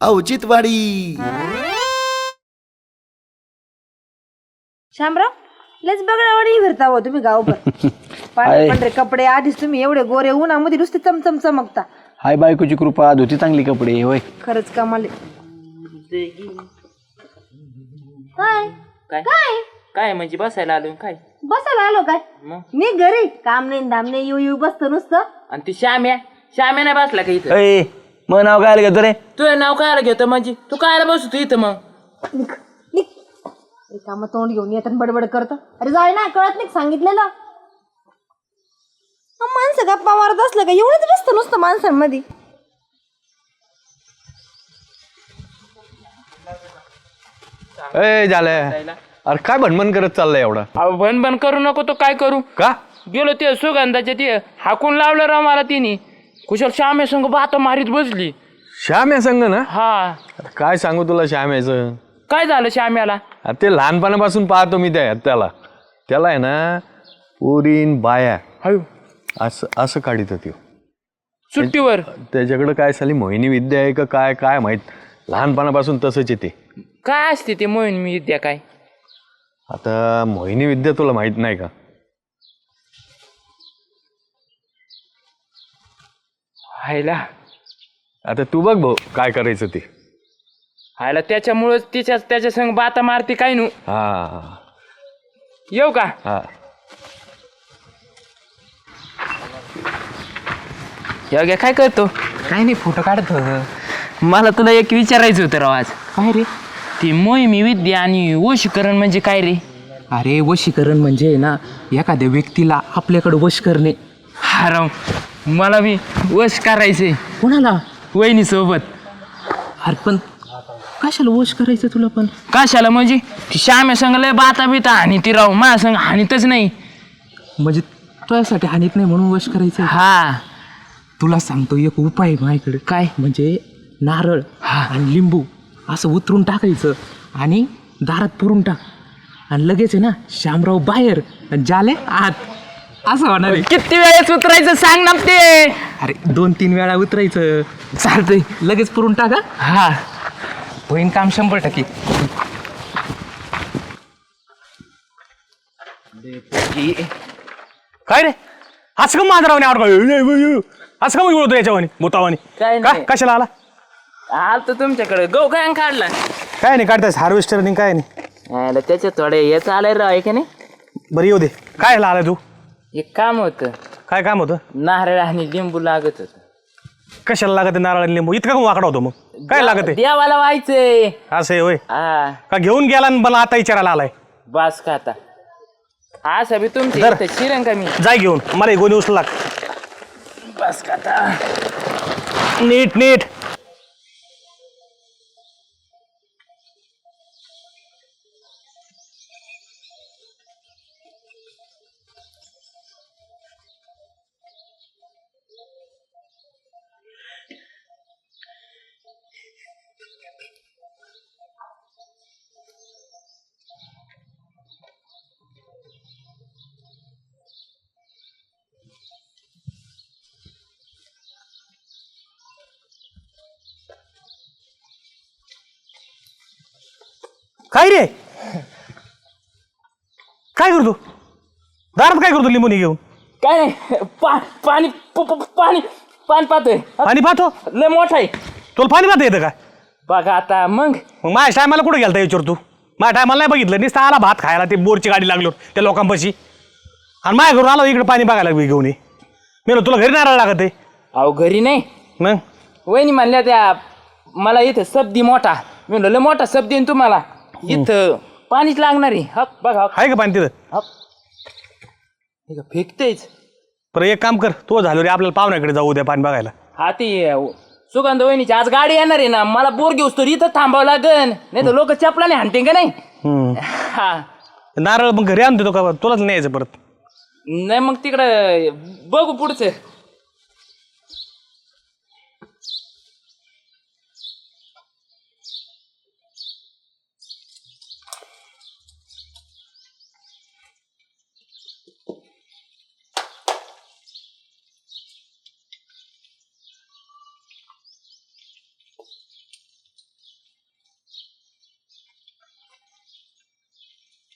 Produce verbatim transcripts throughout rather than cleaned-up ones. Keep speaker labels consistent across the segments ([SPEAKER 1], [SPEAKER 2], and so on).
[SPEAKER 1] औचित्यवाडी.
[SPEAKER 2] शामराव लयच बगडावाडी फिरता हो तुम्ही गावभर. पांढरे पांढरे कपडे, आधीच तुम्ही एवढे गोरे, उन्हामध्ये नुसते चमचम चमकता.
[SPEAKER 3] हाय बायकोची कृपा, धुती चांगली कपडे होय.
[SPEAKER 2] खरंच कमाल आहे. काय
[SPEAKER 4] काय
[SPEAKER 2] काय
[SPEAKER 4] काय म्हणजे बसायला आलो काय
[SPEAKER 2] बसायला आलो काय?
[SPEAKER 4] मग
[SPEAKER 2] मी घरी काम नाही धाम नाही, येऊ येऊ बसतो नुसतं.
[SPEAKER 4] आणि ती श्याम्या श्याम्या नाही बसला का इथं?
[SPEAKER 3] अय मग नाव काय घेतो रे?
[SPEAKER 4] तुझं नाव काय घेतं म्हणजे तू काय बसतो इथं मग?
[SPEAKER 2] निघ निघ रिकामं तोंड घेऊन येतात बडबड करतो. अरे जाय ना, कळत नाही सांगितलेलं. हा, माणसं गप्पा मारत असलं का एवढंच बसतं नुसतं माणसांमध्ये.
[SPEAKER 3] ए झालं अरे काय भणमण करत चाललंय एवढा?
[SPEAKER 4] अहो भन भन करू नको तो काय करू
[SPEAKER 3] का
[SPEAKER 4] गेलो ते सुगंधाच्या ते हाकून लावलं राव मला तिने. कुशल श्याम्या संग बाता मारीत बसली.
[SPEAKER 3] श्याम या संग ना?
[SPEAKER 4] हा
[SPEAKER 3] अरे काय सांगू तुला श्याम याचं.
[SPEAKER 4] काय झालं श्याम्याला?
[SPEAKER 3] अरे ते लहानपणापासून पाहतो मी त्या त्याला त्याला आहे ना पोरीन बाया
[SPEAKER 4] हळू
[SPEAKER 3] असं असं काढित होती.
[SPEAKER 4] सुट्टीवर
[SPEAKER 3] त्याच्याकडं काय साली मोहिनी विद्या आहे का काय काय माहित. लहानपणापासून तसंच येते.
[SPEAKER 4] काय असते ते मोहीन मी विद्या काय?
[SPEAKER 3] आता मोहिनी विद्या तुला माहित नाही का?
[SPEAKER 4] हायला
[SPEAKER 3] आता तू बघ भाऊ काय करायचं ते.
[SPEAKER 4] हायला त्याच्यामुळेच तिच्या त्याच्या संग बाता मारते काय नू.
[SPEAKER 3] हा
[SPEAKER 4] येऊ का?
[SPEAKER 3] हा
[SPEAKER 4] योग्य काय करतो?
[SPEAKER 5] काय नाही, फोटो काढतो.
[SPEAKER 4] मला तुला एक विचारायचं होतं राव आज.
[SPEAKER 5] काय रे?
[SPEAKER 4] ती मोहिमी विद्या आणि वशीकरण म्हणजे काय रे?
[SPEAKER 5] अरे वशीकरण म्हणजे ना एखाद्या व्यक्तीला आपल्याकडे वश करणे.
[SPEAKER 4] हा राव मला बी वश करायचंय
[SPEAKER 5] कोणाला?
[SPEAKER 4] वहिनी सोबत.
[SPEAKER 5] अरे पण कशाला वश करायचं तुला पण?
[SPEAKER 4] कशाला म्हणजे ती श्याम्या संग लय बाता बिता आणि ती राव माझ्या संग हानीतच नाही.
[SPEAKER 5] म्हणजे तुझ्यासाठी हानीत नाही म्हणून वश करायचं?
[SPEAKER 4] हा
[SPEAKER 5] तुला सांगतो एक उपाय आहे माझ्याकडे.
[SPEAKER 4] काय?
[SPEAKER 5] म्हणजे नारळ आणि लिंबू असं उतरून टाकायचं आणि दारात पुरून टाक आणि लगेच आहे ना श्यामराव बाहेर आणि जाले आत, असं होणार आहे.
[SPEAKER 4] किती वेळेस उतरायचं सांग ना ते.
[SPEAKER 5] अरे दोन तीन वेळा उतरायचं.
[SPEAKER 4] चालतंय.
[SPEAKER 5] लगेच पुरून टाका.
[SPEAKER 4] हा
[SPEAKER 5] होईन काम शंभर टक्के.
[SPEAKER 6] काय रे असं का मांजरावाने आवड असं का बोलतो याच्यावानी बोतावानी?
[SPEAKER 4] काय
[SPEAKER 6] का
[SPEAKER 4] नाही.
[SPEAKER 6] कशाला आला?
[SPEAKER 4] आलतो तुमच्याकडे गहू काय काढला?
[SPEAKER 6] काय नाही काढतायस हार्वेस्टर नाही काय नाही.
[SPEAKER 4] यायला त्याच्यात थोडे याच आलंय राव आहे का नाही.
[SPEAKER 6] बरं येऊ दे. काय आलाय तू?
[SPEAKER 4] एक काम होतं,
[SPEAKER 6] काय काम होतं?
[SPEAKER 4] नारळ आणि लिंबू लागत होत.
[SPEAKER 6] कशाला लागत आहे नारळ आणि लिंबू? इतका का वाकडा होतो मग? काय लागत आहे?
[SPEAKER 4] देवाला व्हायचंय.
[SPEAKER 6] असं आहे होय?
[SPEAKER 4] हा
[SPEAKER 6] का घेऊन गेला आणि मला आता विचारायला आलाय?
[SPEAKER 4] बास का आता असं बी तुमची
[SPEAKER 6] धर.
[SPEAKER 4] इथं शिरण का मी?
[SPEAKER 6] जाय घेऊन मला एक गोणी उचला.
[SPEAKER 4] बास का आता.
[SPEAKER 6] नीट नीट. काय रे काय करतो दारात? काय करतो लिंबूनी घेऊन?
[SPEAKER 4] काय नाही पा पाणी प- प- पाणी पाणी पाहतोय.
[SPEAKER 6] पाणी पाहतो?
[SPEAKER 4] लय मोठा आहे
[SPEAKER 6] तुला पाणी पाहता येतं काय?
[SPEAKER 4] बघा आता. मग
[SPEAKER 6] मग माझ्या टायमाला कुठे गेलता विचार तू? माझ्या टायमाला नाही बघितलं. नुसतं आला भात खायला ते बोरची गाडी लागलो त्या लोकांपाशी आणि माझ्या घरून आलो इकडे पाणी बघायला घेऊन ये. मी तुला घरी नारळ लागत आहे.
[SPEAKER 4] अहो घरी नाही,
[SPEAKER 6] मग
[SPEAKER 4] वहिनी म्हणल्या त्या मला इथं सबदी मोठा. मी म्हणलं लय मोठा सबदी आहे तुम्हाला, इथं पाणीच लागणार आहे. हप बघा हप
[SPEAKER 6] आहे का पाणी तिथं?
[SPEAKER 4] हप हे का फेकतेच.
[SPEAKER 6] बरं एक काम कर, तो झालो रे आपल्याला पाहुण्याकडे जाऊ द्या पाणी बघायला.
[SPEAKER 4] हा ती सुगंध वहिनीची आज गाडी येणार आहे ना, मला बोर घेऊस तर इथं थांबावं लागन, नाही तर लोक चपलाने हाणते का नाही.
[SPEAKER 6] हम्म.
[SPEAKER 4] हा
[SPEAKER 6] नारळ मग घरी आणतो का तुलाच नाही यायचं परत?
[SPEAKER 4] नाही मग तिकडं बघू पुढचं.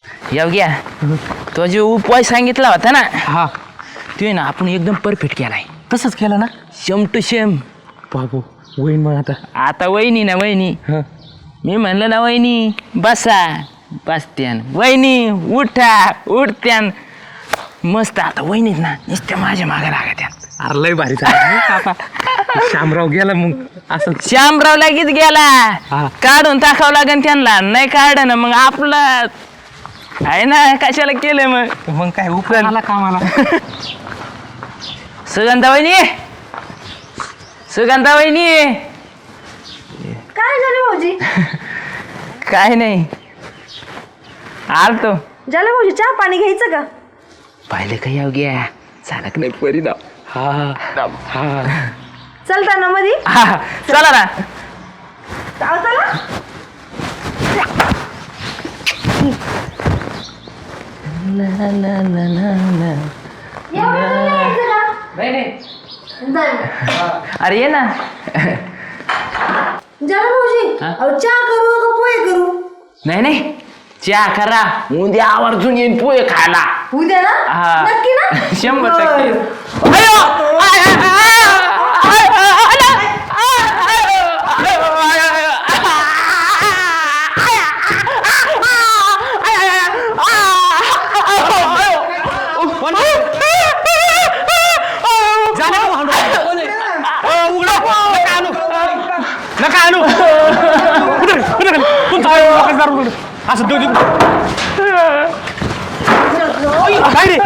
[SPEAKER 4] येऊ घ्या तो जो उपाय सांगितला होता ना
[SPEAKER 5] हा
[SPEAKER 4] ते ना आपण एकदम परफेक्ट केलाय.
[SPEAKER 5] तसंच केलं ना
[SPEAKER 4] शेम टू शेम.
[SPEAKER 5] बाबू होईन मग आता.
[SPEAKER 4] आता वहिनी ना वहिनी
[SPEAKER 5] हा
[SPEAKER 4] मी म्हणलं ना वहिनी बसा बसत्यान वहिनी उठा उठत्यान मस्त. आता वहिनीत ना नुसत्या माझ्या मागे लागत्यान.
[SPEAKER 5] अरे लय भारी झालं आता. शामराव गेला मग असं.
[SPEAKER 4] श्यामराव लगेच गेला
[SPEAKER 5] हा.
[SPEAKER 4] काढून टाकावं लागेल त्यांना. नाही काढ ना मग आपलं आहे ना कशाला केलं मग.
[SPEAKER 5] मग काय उपयोग आला कामाला.
[SPEAKER 4] सुगंधा वहिनी सुगंधा वहिनी
[SPEAKER 2] काय झालं भाऊजी?
[SPEAKER 4] काय नाही आलतो.
[SPEAKER 2] झालं भाऊजी, चहा पाणी घ्यायचं का?
[SPEAKER 4] पाहिलं का येऊ घ्या चालक नाही परिणाम.
[SPEAKER 5] हा हा
[SPEAKER 2] चलता ना मधी?
[SPEAKER 4] हा चला ना.
[SPEAKER 2] चाल चला. एवढं यायचं का? जाय मग.
[SPEAKER 4] अरे ये ना.
[SPEAKER 2] झालं भाऊजी, अहो चहा करू का पोहे करू?
[SPEAKER 4] नाही नाही चहा करा उद्या आवर्जून येईन पोहे खायला.
[SPEAKER 2] उद्या ना?
[SPEAKER 4] हा.
[SPEAKER 2] नक्की ना?
[SPEAKER 4] शंभर
[SPEAKER 2] बरं.
[SPEAKER 4] टक्के. अयो! आय, आय, आय, आय, आय, आय, आय, आय, आय,
[SPEAKER 6] नका आणू कुठं कुठं तुमचं काय लोकांचं दारू उघडं. असं देऊ देऊ काय रे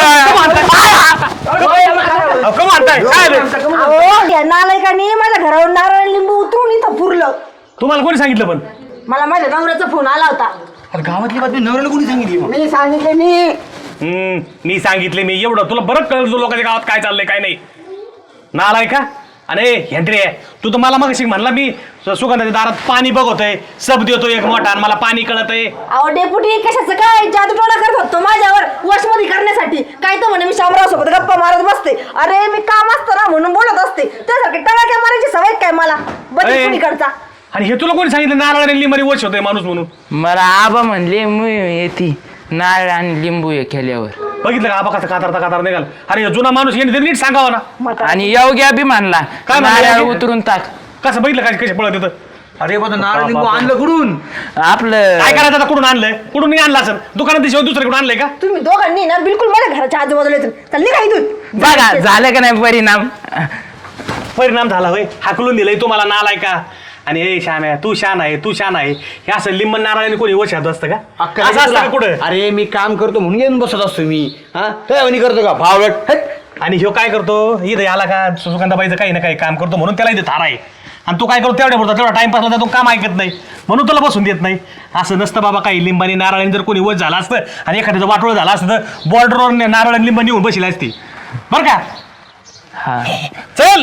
[SPEAKER 6] कम आणताय काय रे?
[SPEAKER 2] अहो, या नालायकाने माझ्या घरावर नारळ लिंबू उतरून इथं पुरलं.
[SPEAKER 6] तुम्हाला कोणी सांगितलं पण?
[SPEAKER 2] मला माझ्या नवऱ्याचा फोन आला होता.
[SPEAKER 6] गावातली बातमी नवऱ्याला कोणी सांगितली मग?
[SPEAKER 2] मी सांगितले मी.
[SPEAKER 6] हम्म, मी सांगितले मी एवढं तुला बरं कळलं तुझं लोकांच्या गावात काय चाललंय काय नाही. नालाय का? अरे हेंद्रे तू तर मला मग म्हणला मी सुगंधाच्या दारात पाणी बघतोय सब देतो एक मोठा आणि मला पाणी कळत आहे.
[SPEAKER 2] अहो डेपुटी कशाचं काय जादूटोणा करत होतो माझ्यावर वशमध्ये करण्यासाठी. काय तर म्हणे मी शामराव सोबत गप्पा मारत बसते. अरे मी काम असतं ना म्हणून बोलत असते. त्यासारखे टमाक्या मारायची सवय काय मला बदल
[SPEAKER 6] अरे.
[SPEAKER 2] कुणीकडचा.
[SPEAKER 6] आणि हे तुला कोणी सांगितलं नारळ आणि लिंबाने वश होतोय माणूस म्हणून?
[SPEAKER 4] मला आबा म्हणले मी येते नारळ आणि लिंबू हे केल्यावर.
[SPEAKER 6] बघितलं का आबा कसा कातारता कातार निघाल. अरे जुना माणूस येणे नीट सांगावा ना.
[SPEAKER 4] आणि योग्य बी म्हणला
[SPEAKER 6] काय म्हणला
[SPEAKER 4] नारळ
[SPEAKER 6] योग्य?
[SPEAKER 4] उतरून टाक.
[SPEAKER 6] कसं बघितलं काय कसे पळत येतं.
[SPEAKER 1] अरे बघ नारळ लिंबू आणलं कुठून?
[SPEAKER 4] आपलं
[SPEAKER 6] काय करायचं आता? कुठून आणलंय? कुठून नाही आणलं असं दुकानात शिवाय दुसरीकडून आणलंय का?
[SPEAKER 2] तुम्ही दोघांनी ना बिलकुल माझ्या घराच्या आजूबाजूला येतो. चालली का इथून?
[SPEAKER 4] बघा झालं का नाही परिणाम.
[SPEAKER 6] परिणाम झाला होय. हाकलून दिलंय तुम्हाला नालाय का? आणि हे शान आहे तू शान आहे तू शान आहे हे असं लिंबन नारळाने कोणी वशात असतं का? असं असतं का कुठं?
[SPEAKER 1] अरे मी काम करतो म्हणून येऊन बसत असतो मी. हा काय करतो का भावलट?
[SPEAKER 6] आणि ह्यो काय करतो इथं आला का सुगंधाबाईचं काही ना काही काम करतो म्हणून त्याला इथे थारा आहे. आणि तू काय करतो तेवढ्या पुरता तेवढा टाइमपासला तो काम ऐकत नाही म्हणून तुला बसून देत नाही. असं नसतं बाबा. काही लिंबानी नारळाने जर कोणी वच झाला असतं आणि एखाद्याचं वाटोळ झालं असतं तर बॉर्डरवर नारळ आणि लिंबा निघून बसली असती बरं का?
[SPEAKER 4] हा
[SPEAKER 6] चल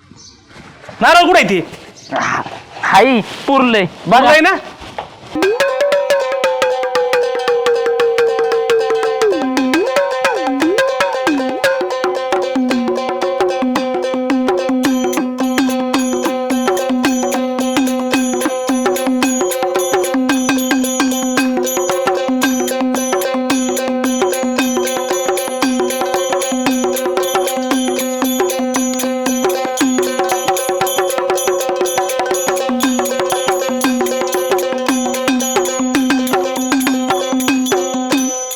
[SPEAKER 6] नारळ कुठे आहे ती?
[SPEAKER 4] हाई पुरलंय
[SPEAKER 6] बघाय ना.